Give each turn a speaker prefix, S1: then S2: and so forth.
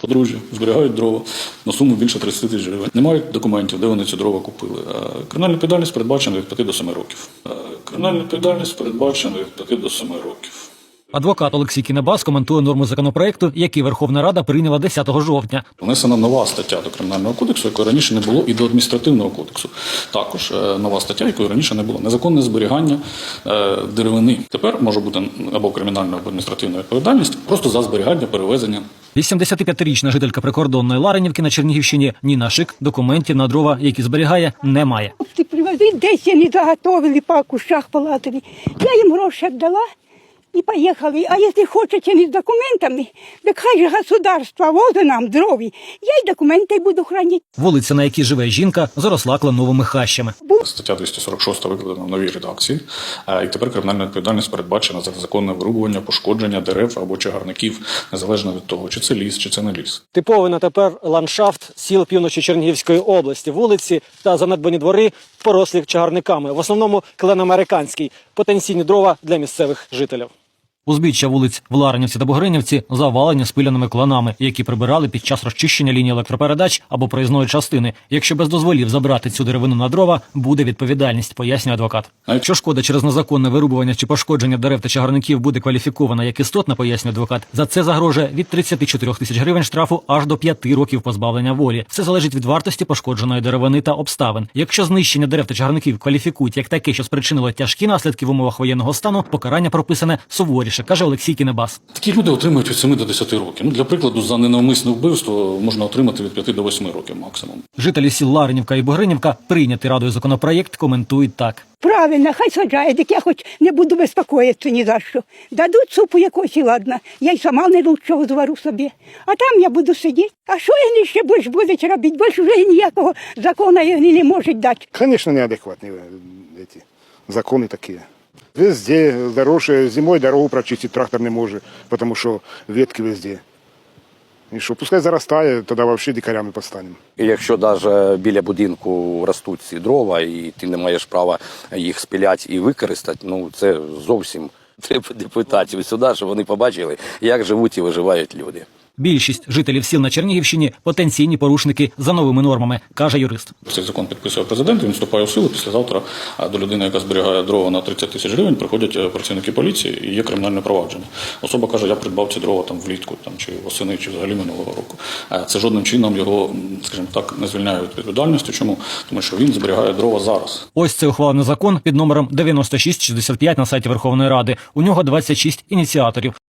S1: Подружжя зберігають дрова на суму більше 30 тисяч гривень. Не мають документів, де вони ці дрова купили. Кримінальна відповідальність передбачена від 5 до 7 років. Кримінальна відповідальність передбачена від 5 до 7 років.
S2: Адвокат Олексій Кінебас коментує норму законопроекту, який Верховна Рада прийняла 10 жовтня.
S1: Внесена нова стаття до Кримінального кодексу, якої раніше не було, і до Адміністративного кодексу. Також нова стаття, якої раніше не було. Незаконне зберігання деревини. Тепер може бути або кримінальна, або адміністративна відповідальність просто за зберігання, перевезення.
S2: 85-річна жителька прикордонної Ларинівки на Чернігівщині Ніна Шик документів на дрова, які зберігає, не має.
S3: Ти привези, десь вони заготовили, по кущах полатили. Я їм гроші віддала і поїхали. А якщо хочете не з документами, так хай же государство возить нам дрові. Я й документи буду хранити.
S2: Вулиця, на якій живе жінка, заросла кленовими хащами.
S1: Стаття 246 викладена в новій редакції. І тепер кримінальна відповідальність передбачена за незаконне вирубування, пошкодження дерев або чагарників, незалежно від того, чи це ліс, чи це не ліс.
S4: Типовий на тепер ландшафт сіл півночі Чернігівської області. Вулиці та занедбані двори порослі чагарниками. В основному клен американський. Потенційні дрова для місцевих жителів.
S2: Узбіччя вулиць в Ларинівці та Бугринівці завалені спиляними кланами, які прибирали під час розчищення лінії електропередач або проїзної частини. Якщо без дозволів забрати цю деревину на дрова, буде відповідальність, пояснює адвокат. А якщо шкода через незаконне вирубування чи пошкодження дерев та чагарників буде кваліфікована як істотна, пояснює адвокат, за це загрожує від 34 тисяч гривень штрафу аж до 5 років позбавлення волі. Все залежить від вартості пошкодженої деревини та обставин. Якщо знищення дерев та чагарників кваліфікують як таке, що спричинило тяжкі наслідки в умовах воєнного стану, покарання прописане суворіше, каже Олексій Кінебас.
S1: Такі люди отримують від 7 до 10 років. Для прикладу, за ненавмисне вбивство можна отримати від 5 до 8 років максимум.
S2: Жителі сіл Ларинівка і Бугринівка, прийнятий Радою законопроєкт, коментують так.
S3: Правильно, хай саджають, так я хоч не буду безпокоїтися ні за що. Дадуть супу якось і ладно. Я й сама не лучшого звару собі. А там я буду сидіти. А що вони ще більш будуть робити? Більш вже ніякого закону вони не можуть дати.
S5: Конечно, неадекватные эти законы такие. Везде дороже, зимой дорогу прочистить трактор не может, потому что ветки везде. І що, пускай заростає, тоді взагалі дикарями постанемо.
S6: І якщо навіть біля будинку ростуть ці дрова, і ти не маєш права їх спиляти і використати, це зовсім треба депутатів сюди, щоб вони побачили, як живуть і виживають люди.
S2: Більшість жителів сіл на Чернігівщині – потенційні порушники за новими нормами, каже юрист.
S1: Цей закон підписує президент, він вступає в силу. Післязавтра до людини, яка зберігає дрова на 30 тисяч гривень, приходять працівники поліції і є кримінальне провадження. Особа каже, я придбав ці дрова влітку, чи восени, чи взагалі минулого року. Це жодним чином його, скажімо так, не звільняє від відповідальності. Чому? Тому що він зберігає дрова зараз.
S2: Ось цей ухвалений закон під номером 9665 на сайті Верховної Ради. У нього 26 ініціаторів.